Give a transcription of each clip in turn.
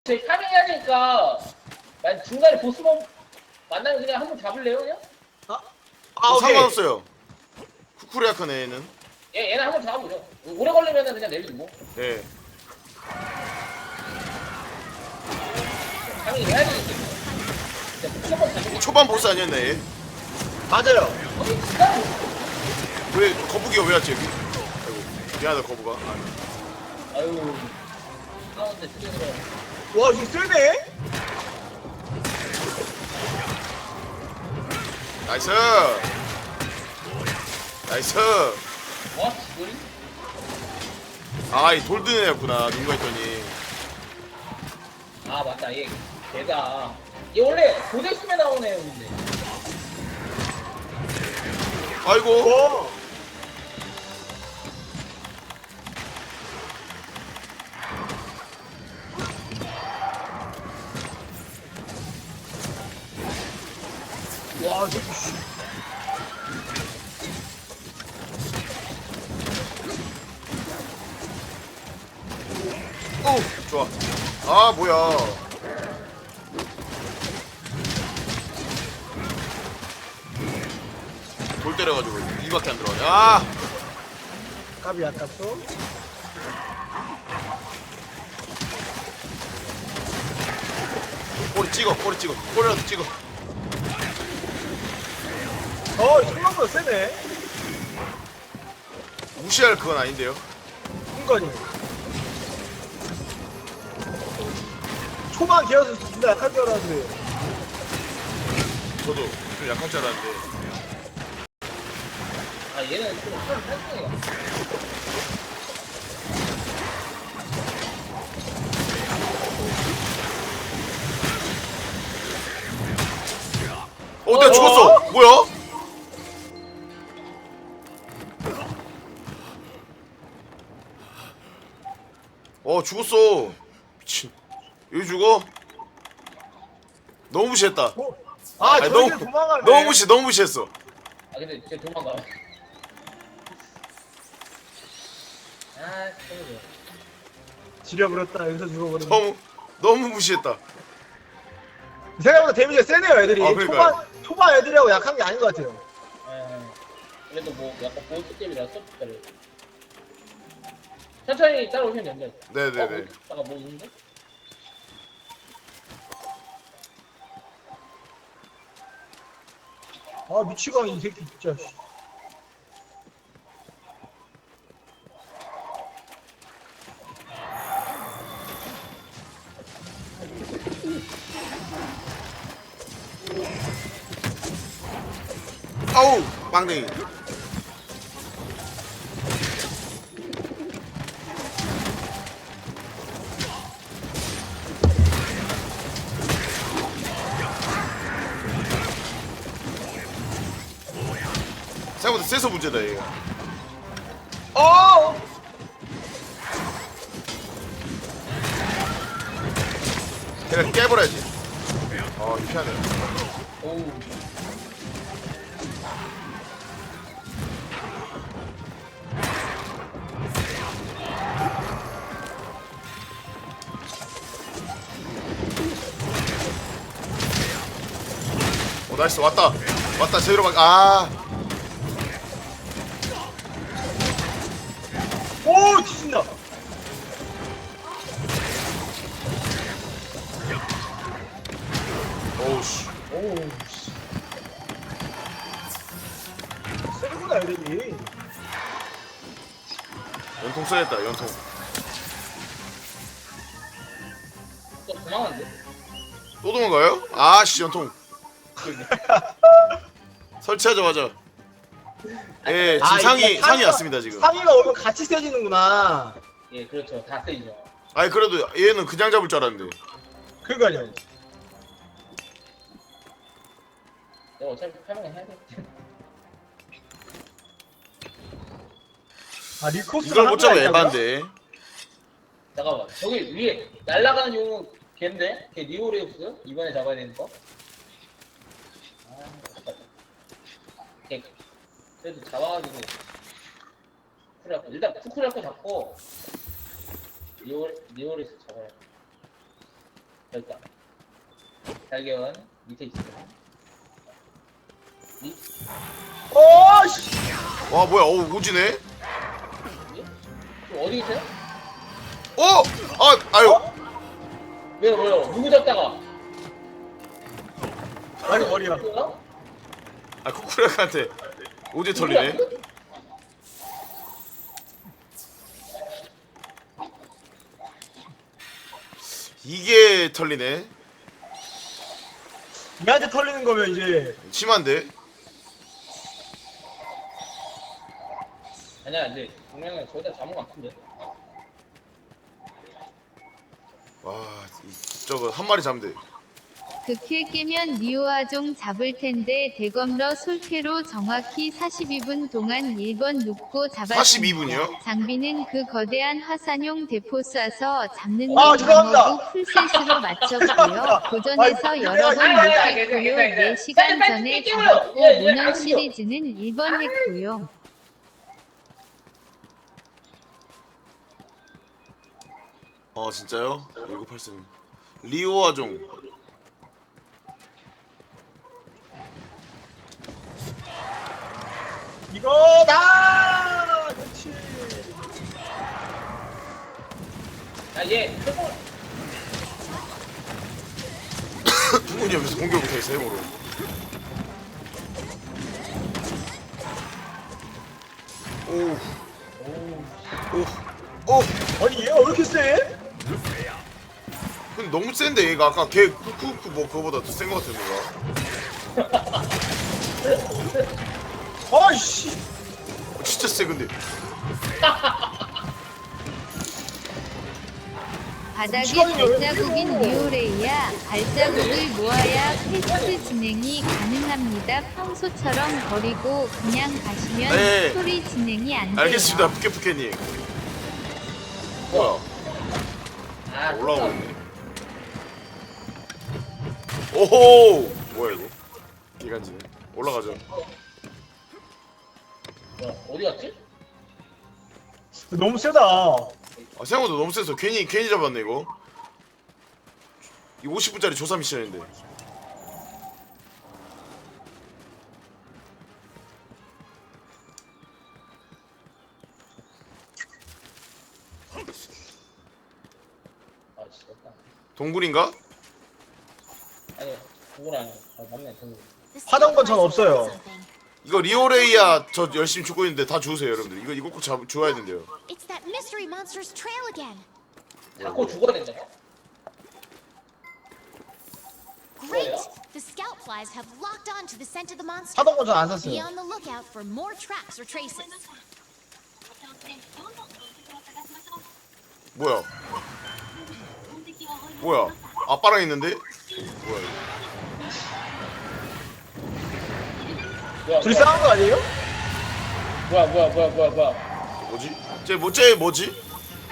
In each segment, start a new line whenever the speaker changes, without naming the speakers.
저희 파밍해야 되니까 만 중간에 보스만 만나면 그냥 한 번 잡을래요 그냥?
오케이.
상관없어요. 쿠쿠리아칸 애는.
얘는 한 번 잡아보죠. 오래 걸리면은 그냥 내려주고.
예.
파밍 해야 되니까. 무조건 잡는
초반 보스 아니었나 얘?
맞아요.
거의 진짜
왜 거북이가 왜 왔지 여기? 아이고 미안하다 거북아.
아유 가운데 쓰레기로
와 이거 세네.
나이스. 나이스.
와 지금
아이 돌드는 애였구나 누가 했더니.
아 맞다 얘 걔다 얘 원래 고대숨에 나오는 애였는데
아이고.
와. 와 저기.
오 좋아. 아 뭐야. 돌 때려가지고 이밖에 안 들어가네. 아.
값이 아깝소.
꼬리 찍어 꼬리 찍어 꼬리라도 찍어.
생각보다 세네.
무시할 그건 아닌데요.
순간이. 초반 기어서 진짜 약할 줄 알았는데.
저도 좀 약할 줄 알았는데.
아 얘는 좀 탈승이야
내가 죽었어. 뭐야? 죽었어. 미친. 여기 죽어? 너무 무시했다. 아니,
저기 도망가네.
너무 무시했어.
아 근데 쟤 도망가 아 진짜
지려버렸다. 여기서 죽어버렸네.
너무 무시했다.
생각보다 데미지가 세네요, 애들이.
그러니까요.
초반 애들이라고 약한 게 아닌 것 같아요.
그래도 뭐 약간 보스 게임이라 서프트를 천천히 따라오시면 됩니다.
네네네.
잠깐 뭐 있는데?
미치광이 이 새끼 진짜.
아우 빵댕이. 생각보다 세서 문제다 얘가. 걔가 깨버려야지. 유쾌하네.
오우.
나이스. 왔다 제대로 막.
오, 뒤진다.
오우씨.
오우, 씨. 세구나, 애들이.
연통 써야겠다 연통.
또 도망갔는데?
또 도망가요? 아씨 연통. 설치하자마자. 예, 지금 상이 왔습니다 지금.
상의가 오면 같이 세지는구나.
예, 그렇죠. 다 세이죠.
아니 그래도 얘는 그냥 잡을 줄 알았는데.
그러니까요.
내가 어차피 설명을 해야 돼.
리코스
이걸 못 잡아 에반데.
잠깐만. 저기 위에 날아가는 용은 걔인데? 걔 니오레우스? 이번에 잡아야 되는 거? 걔 그래도 잡아가지고 일단 쿠쿠리아코 잡고 니오레우스 잡아야 돼. 됐다. 발견 밑에 있어.
씨.
와 뭐야 오지네.
어디 있어요?
아유.
왜요? 누구 잡다가?
아니 머리야.
뭐야?
아 쿠쿠라한테 오지 털리네. 이게 털리네.
얘한테 털리는 거면 이제
심한데.
아니야, 이제 분명히 저기다 잡은 것 같은데.
와 저거 한 마리 잡으면 돼.
그킬 깨면 니오아종 잡을 텐데 대검러 솔캐로 정확히 42분 동안 1번 눕고 잡았습니다.
42분이요?
장비는 그 거대한 화산용 대포 쏴서 잡는
아,
게
죄송합니다.
방어구 풀셋으로 맞췄고요. 도전해서 여러 번 못했고요. 4시간 전에 잡았고 모넌 시리즈는 1번 했고요.
진짜요? 1983 리오아종.
이거다. 그렇지.
얘 최고.
누구냐 여기서 공격 못하겠어 해보로. 오.
아니 얘가 왜 이렇게 세?
근데 너무 센데 얘가 아까 걔 쿠쿠쿠 뭐 그거보다 더 센 거 같은데 얘가.
아이씨.
진짜 세 근데.
바닥에 발자국인 리오레이야 발자국을 모아야 퀘스트 진행이 가능합니다. 평소처럼 버리고 그냥 가시면
네.
스토리 진행이 안 돼요.
알겠습니다 푸케푸케님. 뭐야
아,
올라오고 있네. 오호 뭐야 이거 기간지네. 올라가죠.
어디 갔지?
너무 세다.
생각보다 너무 세서 괜히 잡았네 이거. 이 50분짜리 조사 미션인데.
아, 진짜.
동굴인가?
아니, 그건 아니야. 맞네, 동굴.
하던 건 전 없어요.
이거 리오레이야 저 열심히 죽고 있는데 다 주우세요 여러분들. 이거 꼭 주워야 된대요.
It's that mystery monster's trail again.
자꾸 죽어야 된다.
Great! The scout flies have locked on to the scent of the monster.
하던 건 전 안
Be
샀어요.
on the lookout for more tracks or traces.
뭐야? 뭐야? 아빠랑 있는데? 뭐야 이거?
둘이 싸운 거 아니에요?
뭐야.
뭐지? 쟤 뭐지?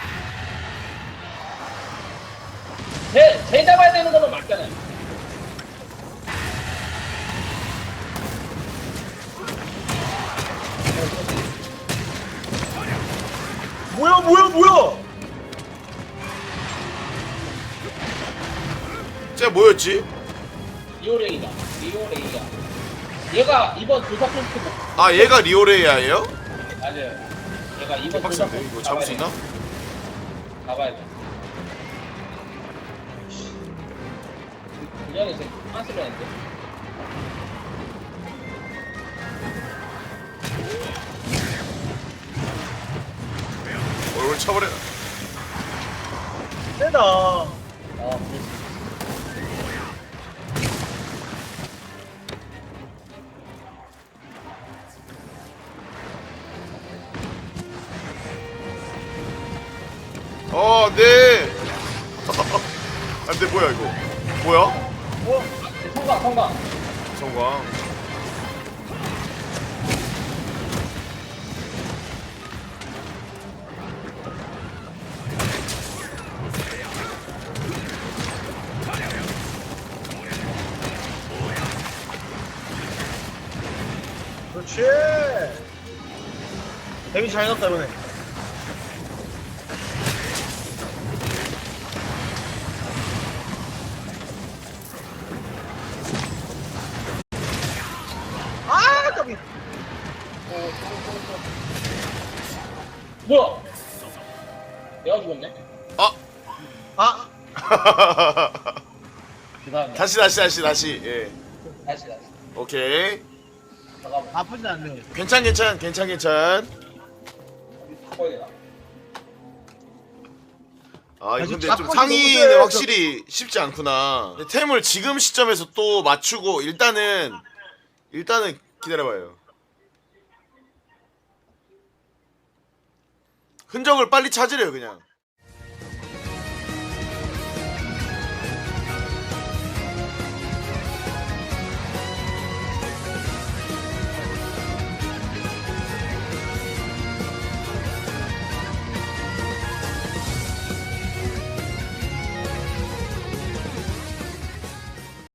쟤 잡아야 되는 거는 맞잖아요.
뭐야?
쟤 뭐였지?
리오레이다. 얘가 이번 조사 콘트
아 얘가 리오레이야예요?
맞아요. 얘가 이번 조사
빡센데
콘트
이거 잡을 수 있나?
가봐야 돼. 그전에 이제 빤스를 했는데.
얼굴 쳐버려.
세다.
아, 그렇지.
네. 안돼 뭐야 이거? 뭐야?
성광.
성광.
그렇지. 데미 잘 넣었다 이번에.
뭐야? 내가 죽었네?
아,
죄송합니다.
다시 예.
다시.
오케이.
잠깐만.
아프진 않네.
괜찮.
어디 바꿔야 되나?
아
아주
근데 좀
자꾸
상의는
너무
확실히 쉽지 않구나. 근데 템을 지금 시점에서 또 맞추고 일단은 기다려봐요. 흔적을 빨리 찾으래요 그냥.